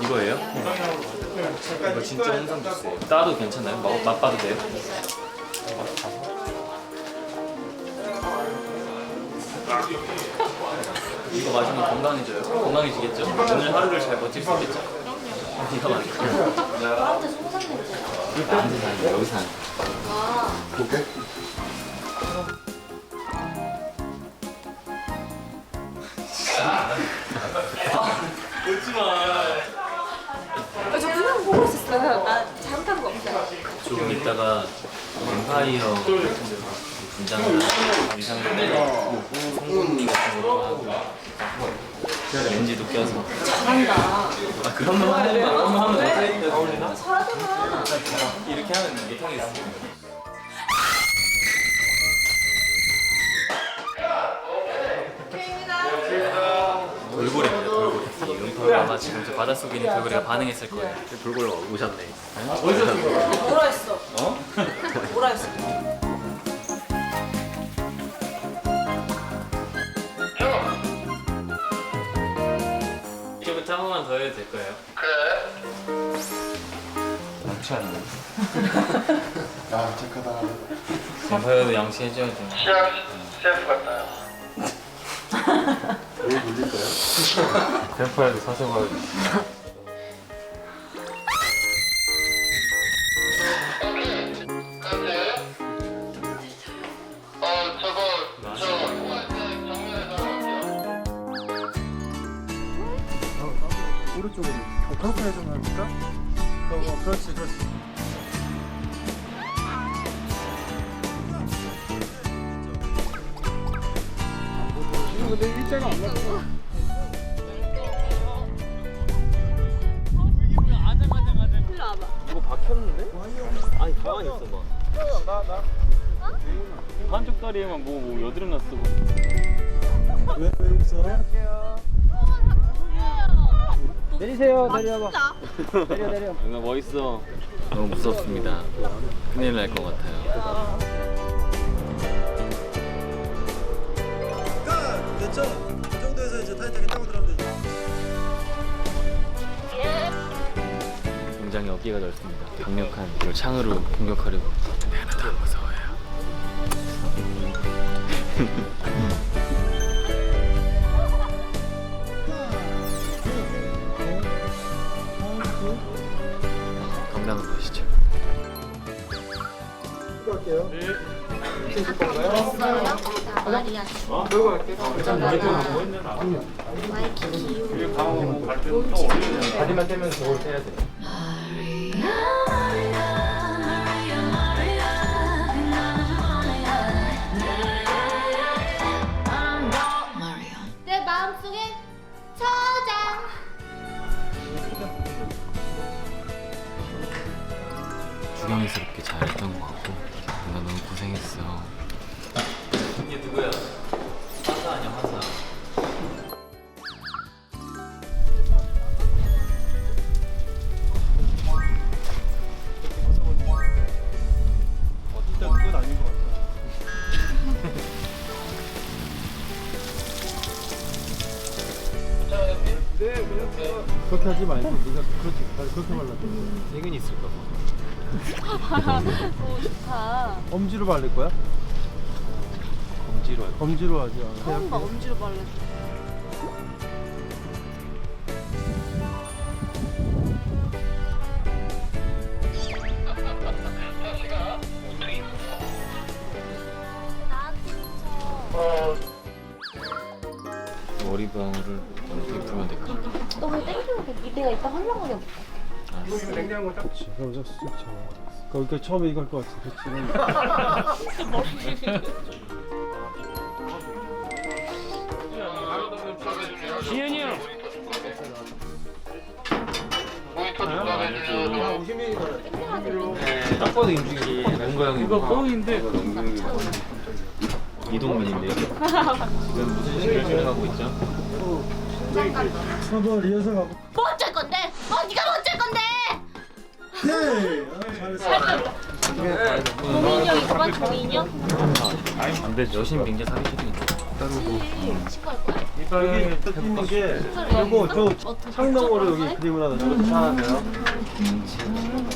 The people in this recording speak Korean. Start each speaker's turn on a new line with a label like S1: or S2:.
S1: 이거예요? 이거 진짜 홍삼 주스예요. 따도 괜찮나요? 맛봐도 돼요? 이거 마시면 건강해져요. 건강해지겠죠? 오늘 하루를 잘 버틸 수 있겠죠? 이거 맞아요.
S2: 나한테 송산 냄새.
S1: 나한테 사는 여기 사는.
S2: 아.
S3: 오케이.
S2: 저 그냥 보고 있었어요. 나 잘못한 거 없어요.
S1: 조금 있다가 뱀파이어 분장을 이상한데 송곳니 같은 것도 하고 렌즈도 껴서.
S2: 잘한다.
S1: 아 그런 거 하면 어울리나?
S2: 잘하잖아.
S1: 이렇게 하면 못하겠어. 돌고래입니다. 돌고래. 이 음파가 지금 저 바닷속에 있는 돌고래가 반응했을 거예요.
S3: 돌고래가 오셨네.
S2: 뭐라 했어?
S1: 어?
S2: 뭐라 했어?
S1: 이제부터 한 번만 더 해도 될 거예요.
S3: 야, 착하다.
S1: 뱀파이어도 양치해줘야죠.
S4: 시작 CF 같나요?
S3: 왜 놀릴 거야?
S1: 뱀파이어도 사서
S3: 오른쪽으로. 그렇게 해서 할까? 그렇지, 그렇지. 근데 일자가 안 맞아.
S2: 일로 와봐.
S1: 이거 박혔는데? 아니 가만히 있어 봐. 한쪽 다리에만 뭐 여드름 났어.
S3: 왜 웃어?
S5: 내리세요. 내려봐.
S2: 진짜?
S5: 내려.
S1: 나 멋있어. 너무 무섭습니다. 큰일 날 것 같아요.
S3: 됐죠? 이 정도에서 이제 타이트하게 타고 들어가면 되죠.
S1: 굉장히 어깨가 넓습니다. 강력한 이걸 창으로 공격하려고. 근데 하나도 안 무서워요. 건강한 것이죠.
S3: 할게요.
S2: 됐어요? 나 마리아. 와이키키.
S1: 다리만 떼면 저걸 떼야 돼.
S2: 내 마음속에 저장.
S1: 주경이스럽게 잘했던 것 같고 나 너무 고생했어. 이게 누구야? 화사 아니야 화사.
S3: 진짜 그건 아닌 것 같아. 그렇게 하지 말고 네가 그렇게 그렇게 발랐대.
S1: 세균 있을까 봐.
S2: 오 좋다.
S3: 엄지로 바를 거야?
S1: 검지로 할
S3: 엄지로 하지.
S2: 처음 봐 엄지로 발랐어.
S1: 머리방울을 어떻게 풀면 될까?
S2: 너왜 땡기고 내가 이따 하려고 해.
S3: 냉장고 딱. 그럼 쓱 잡아. 그러니까 처음에 이거 할 것 같아.
S5: 지현이 형.
S4: 모니터 누가 해주려고
S1: 딱 봐도 임중이 뭔가 형이
S5: 이거 뻥인데.
S1: 이동민인데요. 지금 무슨 식을 진행하고 있죠?
S3: 한번 리허설 가고.
S2: 뭐 어쩔 건데? 네가 뭐 어쩔 건데?
S3: 네. 잘했어.
S2: 종이 인형 이거만 종이 인형?
S1: 안 되죠. 여신 빙자 사기 싫으니까.
S2: 친구할 거야?
S3: 여기 딱 있는 게 요거 저 창명으로 여기 그림을 하나 좀 하나 돼요.